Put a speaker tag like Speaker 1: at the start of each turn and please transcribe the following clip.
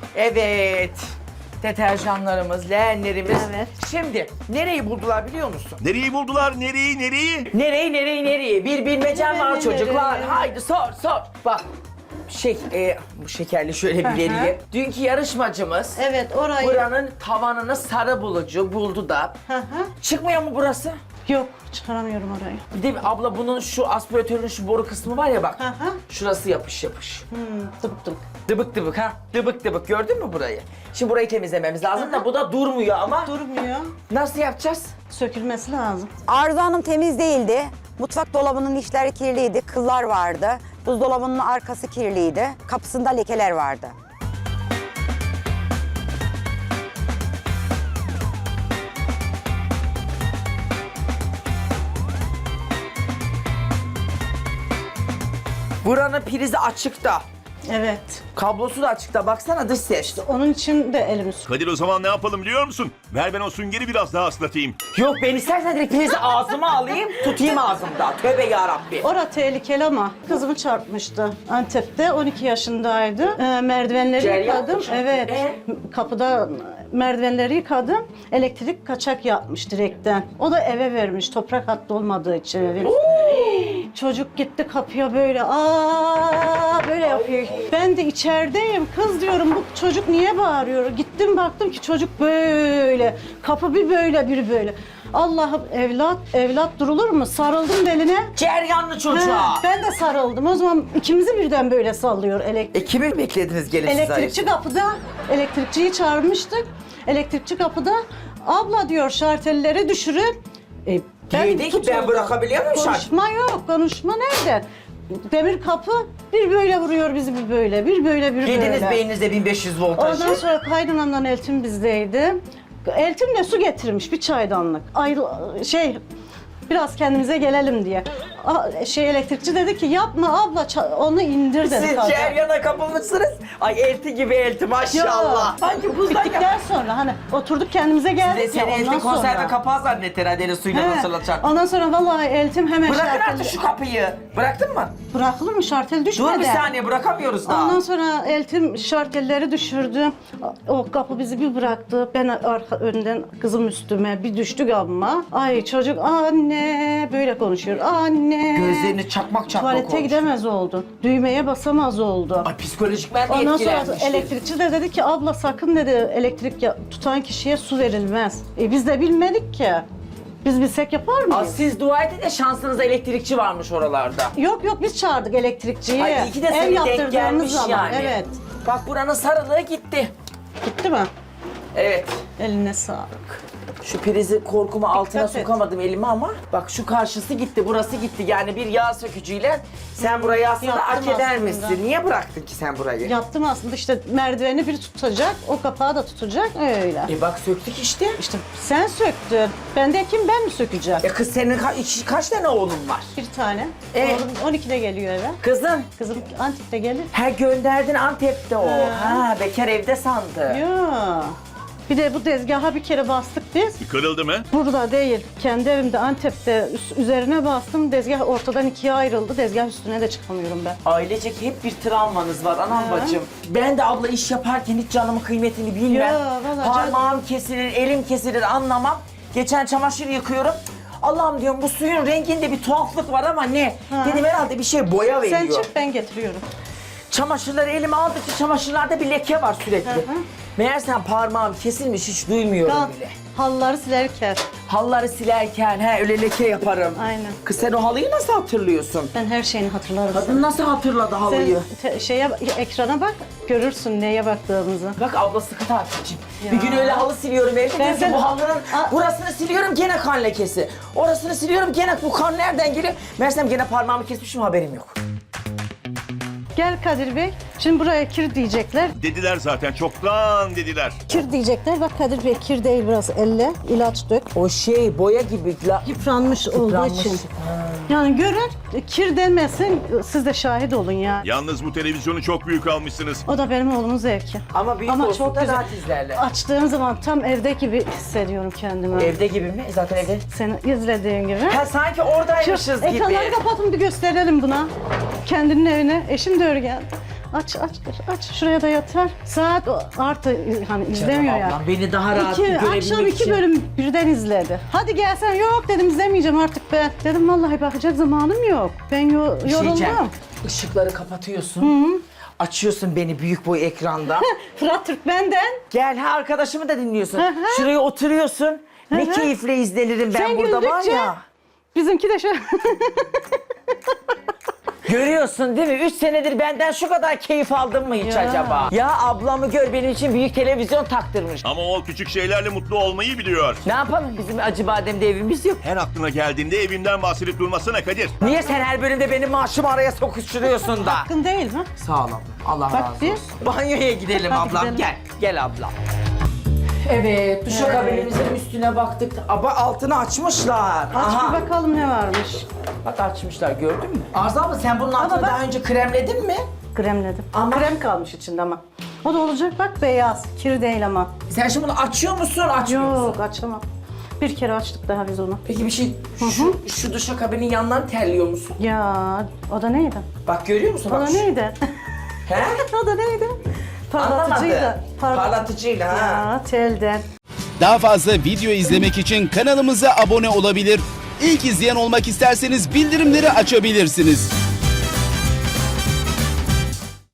Speaker 1: Evet. Deterjanlarımız, leğenlerimiz.
Speaker 2: Evet.
Speaker 1: Şimdi nereyi buldular biliyor musun?
Speaker 3: Nereyi buldular? Nereyi?
Speaker 1: Nereyi? Bir bilmecem var
Speaker 2: Nereye?
Speaker 1: çocuklar. Haydi sor. Bak. Bu şekerli şöyle bir vereyim. Dünkü yarışmacımız
Speaker 2: Evet, orayı.
Speaker 1: buranın tavanını sarı bulucu buldu da.
Speaker 2: Hı hı.
Speaker 1: Çıkmıyor mu burası?
Speaker 2: Yok, çıkaramıyorum orayı.
Speaker 1: Bir de abla bunun şu aspiratörün şu boru kısmı var ya bak.
Speaker 2: Hı hı.
Speaker 1: Şurası yapış.
Speaker 2: Tıp tıp.
Speaker 1: Dıbık ha. Dıbık gördün mü burayı? Şimdi burayı temizlememiz lazım da bu da durmuyor ama.
Speaker 2: Durmuyor.
Speaker 1: Nasıl yapacağız?
Speaker 2: Sökülmesi lazım.
Speaker 4: Arzu Hanım temiz değildi. Mutfak dolabının içleri kirliydi, kıllar vardı. Buzdolabının arkası kirliydi. Kapısında lekeler vardı.
Speaker 1: Buranın prizi açıkta.
Speaker 2: Evet.
Speaker 1: Kablosu da açıkta. Baksana dış ses.
Speaker 2: Onun için de elimi
Speaker 3: Kadir o zaman ne yapalım biliyor musun? Ver ben o süngeri biraz daha ıslatayım.
Speaker 1: Yok ben istersen direkt prizi ağzıma alayım, tutayım ağzımda. Tövbe yarabbi.
Speaker 2: Ora tehlikeli ama kızımı çarpmıştı. Antep'te 12 yaşındaydı. Merdivenleri
Speaker 1: Ceryan
Speaker 2: yıkadım.
Speaker 1: mı çarptı?
Speaker 2: Evet. Kapıda merdivenleri yıkadım. Elektrik kaçak yapmış direkten. O da eve vermiş toprak hattı olmadığı için evin. Çocuk gitti kapıya böyle böyle yapıyor. Ben de içerideyim. Kız diyorum bu çocuk niye bağırıyor? Gittim baktım ki çocuk böyle. Kapı bir böyle bir böyle. Allah'ım evlat durulur mu? Sarıldım beline.
Speaker 1: Ceryanlı çocuğa.
Speaker 2: Ben de sarıldım. O zaman ikimizi birden böyle sallıyor elektrik.
Speaker 1: Kimi beklediniz gelin siz
Speaker 2: Elektrikçi kapıda, elektrikçiyi çağırmıştık. Elektrikçi kapıda, abla diyor şartelleri düşürün.
Speaker 1: Diyor ki ben bırakabiliyor muyum şart?
Speaker 2: Konuşma yok, konuşma nerede? Demir kapı bir böyle vuruyor bizi bir böyle, bir böyle bir
Speaker 1: Yediniz
Speaker 2: böyle.
Speaker 1: beyninizde 1500 voltajı.
Speaker 2: Ondan sonra kaynanamdan Eltim bizdeydi. Eltim de su getirmiş bir çaydanlık. Biraz kendimize gelelim diye. Elektrikçi dedi ki yapma abla onu indir dedi.
Speaker 1: Siz Ceryan'a kapılmışsınız. Ay elti gibi elti maşallah. Sanki buzdan
Speaker 2: Bittikten sonra hani oturduk kendimize geldik
Speaker 1: Size
Speaker 2: ya
Speaker 1: seni elti
Speaker 2: ondan
Speaker 1: konserve
Speaker 2: sonra.
Speaker 1: kapağı zannetter hadi suyla
Speaker 2: He,
Speaker 1: nasıl açar.
Speaker 2: ondan sonra vallahi Eltim hemen
Speaker 1: Bırakın
Speaker 2: şartel...
Speaker 1: artık şu kapıyı. Bıraktın mı?
Speaker 2: Bırakılır mı şartel düşmeden?
Speaker 1: Dur bir saniye bırakamıyoruz daha.
Speaker 2: Ondan sonra Eltim şartelleri düşürdü. O kapı bizi bir bıraktı. Ben önden kızım üstüme bir düştük ama. Ay çocuk anne böyle konuşuyor. Anne.
Speaker 1: Gözlerini çakmak
Speaker 2: Tuvalete
Speaker 1: olmuş.
Speaker 2: gidemez oldu. Düğmeye basamaz oldu.
Speaker 1: Ay psikolojik ben de
Speaker 2: Ondan sonra
Speaker 1: etkilenmiştim.
Speaker 2: elektrikçi de dedi ki abla sakın dedi elektrik tutan kişiye su verilmez. Biz de bilmedik ki. Biz bilsek yapar mıyız?
Speaker 1: Aa, siz dua edin de şansınızda elektrikçi varmış oralarda.
Speaker 2: Yok biz çağırdık elektrikçiyi.
Speaker 1: Ay iyi ki de
Speaker 2: Ev
Speaker 1: seni denk
Speaker 2: yaptırdığımız
Speaker 1: gelmiş
Speaker 2: zaman.
Speaker 1: yani.
Speaker 2: Evet.
Speaker 1: Bak buranın sarılığı gitti.
Speaker 2: Gitti mi?
Speaker 1: Evet.
Speaker 2: Eline sağlık.
Speaker 1: Şu prizi korkumu altına
Speaker 2: et.
Speaker 1: sokamadım elime ama bak şu karşısı gitti, burası gitti. Yani bir yağ sökücüyle sen burayı aslında
Speaker 2: Yaptım
Speaker 1: hak eder
Speaker 2: aslında.
Speaker 1: misin? Niye bıraktın ki sen burayı?
Speaker 2: Yaptım aslında işte merdiveni bir tutacak, o kapağı da tutacak öyle.
Speaker 1: Bak söktük işte.
Speaker 2: İşte sen söktün. Ben de kim ben mi sökeceğim?
Speaker 1: Kız senin kaç tane oğlun var?
Speaker 2: Bir tane. Oğlum 12'de geliyor eve.
Speaker 1: Kızın.
Speaker 2: Kızım Antep'te gelir.
Speaker 1: Ha gönderdin Antep'te o.
Speaker 2: He.
Speaker 1: Ha bekar evde sandı.
Speaker 2: Ya. Bir de bu tezgaha bir kere bastık biz.
Speaker 3: Kırıldı mı?
Speaker 2: Burada değil, kendi evimde Antep'te üzerine bastım. Tezgah ortadan ikiye ayrıldı. Tezgah üstüne de çıkamıyorum ben.
Speaker 1: Ailecek hep bir travmanız var anam bacım. Ben de abla iş yaparken hiç canımın kıymetini bilmem.
Speaker 2: Ya, vallahi
Speaker 1: Parmağım kesilir, elim kesilir anlamam. Geçen çamaşır yıkıyorum. Allah'ım diyorum bu suyun renginde bir tuhaflık var ama ne? Dedim herhalde bir şey boya veriyor.
Speaker 2: Sen çık ben getiriyorum.
Speaker 1: Çamaşırları elime aldıkça çamaşırlarda bir leke var sürekli. Meğersem parmağım kesilmiş hiç duymuyorum bile.
Speaker 2: Halları silerken.
Speaker 1: Halları silerken öyle leke yaparım.
Speaker 2: Aynen.
Speaker 1: Kız sen o halıyı nasıl hatırlıyorsun?
Speaker 2: Ben her şeyini hatırlarım.
Speaker 1: Kadın nasıl hatırladı halıyı?
Speaker 2: Sen ekrana bak, görürsün neye baktığımızı.
Speaker 1: Bak abla sıkı takipçiyim. Bir gün öyle halı siliyorum evde.
Speaker 2: Ben
Speaker 1: Diyorum ki
Speaker 2: sen-
Speaker 1: bu halının burasını siliyorum gene kan lekesi. Orasını siliyorum gene bu kan nereden geliyor? Meğersem gene parmağımı kesmişim haberim yok.
Speaker 2: Gel Kadir Bey, şimdi buraya kir diyecekler.
Speaker 3: Dediler zaten çoktan dediler.
Speaker 2: Kir diyecekler, bak Kadir Bey kir değil burası, elle ilaç dök.
Speaker 1: O boya gibi.
Speaker 2: Yıpranmış olduğu için. Yani görün, kir demesin, siz de şahit olun ya.
Speaker 3: Yalnız bu televizyonu çok büyük almışsınız.
Speaker 2: O da benim oğlumun zevki.
Speaker 1: Ama büyük olsun da rahat izlerler.
Speaker 2: Açtığım zaman tam evde gibi hissediyorum kendimi.
Speaker 1: Evde gibi mi? Zaten evde.
Speaker 2: Seni izlediğin gibi.
Speaker 1: Ha sanki oradaymışız gibi.
Speaker 2: Ekranları kapatın bir gösterelim buna. Kendinin evine. Eşim de öyle geldi. aç. Şuraya da yatar. Saat artı hani izlemiyor
Speaker 1: Canım
Speaker 2: ya.
Speaker 1: ablam, beni daha rahat
Speaker 2: Akşam
Speaker 1: görebilmek
Speaker 2: 2
Speaker 1: için.
Speaker 2: bölüm birden izledi. Hadi gelsen, yok dedim, izlemeyeceğim artık ben. Dedim vallahi bakacak zamanım yok. Ben
Speaker 1: Bir şey diyeceğim.
Speaker 2: yoruldum.
Speaker 1: Işıkları kapatıyorsun. Açıyorsun beni büyük boy ekranda.
Speaker 2: Fırat Türkmen'den.
Speaker 1: Gel ha, arkadaşımı da dinliyorsun.
Speaker 2: Hı hı.
Speaker 1: Şuraya oturuyorsun. Ne keyifle izlenirim ben
Speaker 2: Sen
Speaker 1: burada var
Speaker 2: güldükçe
Speaker 1: ya.
Speaker 2: bizimki de şöyle.
Speaker 1: Görüyorsun değil mi? 3 senedir benden şu kadar keyif aldın mı hiç
Speaker 2: Ya.
Speaker 1: acaba? Ya ablamı gör, benim için büyük televizyon taktırmış.
Speaker 3: Ama o küçük şeylerle mutlu olmayı biliyor.
Speaker 1: Ne yapalım, bizim Acıbadem'de evimiz yok.
Speaker 3: Her aklına geldiğinde evinden bahsedip durmasana Kadir.
Speaker 1: Niye sen her bölümde benim maaşımı araya sokuşturuyorsun da?
Speaker 2: Hakkın değil mi?
Speaker 1: Sağ ol ablam. Allah
Speaker 2: Bak
Speaker 1: razı
Speaker 2: bir.
Speaker 1: olsun. Banyoya gidelim
Speaker 2: Hadi
Speaker 1: ablam.
Speaker 2: gidelim.
Speaker 1: Gel. Gel ablam. Evet, duşakabinimizin üstüne baktık. Ama altını açmışlar.
Speaker 2: Aç bir bakalım ne varmış.
Speaker 1: Bak açmışlar, gördün mü? Arzu abla, sen bunun altını
Speaker 2: bak.
Speaker 1: daha önce kremledin mi?
Speaker 2: Kremledim.
Speaker 1: Ama-
Speaker 2: Krem kalmış içinde ama. O da olacak, bak beyaz. Kir değil ama.
Speaker 1: Sen şimdi bunu açıyor musun, açmıyor musun?
Speaker 2: Yok, açamam. Bir kere açtık daha biz onu.
Speaker 1: Peki bir şey, şu duşakabinin yanından terliyor musun?
Speaker 2: Ya o da neydi?
Speaker 1: Bak görüyor musun?
Speaker 2: O da
Speaker 1: Bak,
Speaker 2: neydi?
Speaker 1: He?
Speaker 2: O da neydi? Parlatıcıydı.
Speaker 1: Parlatıcıyla ha.
Speaker 2: Ya telden.
Speaker 5: Daha fazla video izlemek için kanalımıza abone olabilir. İlk izleyen olmak isterseniz bildirimleri açabilirsiniz.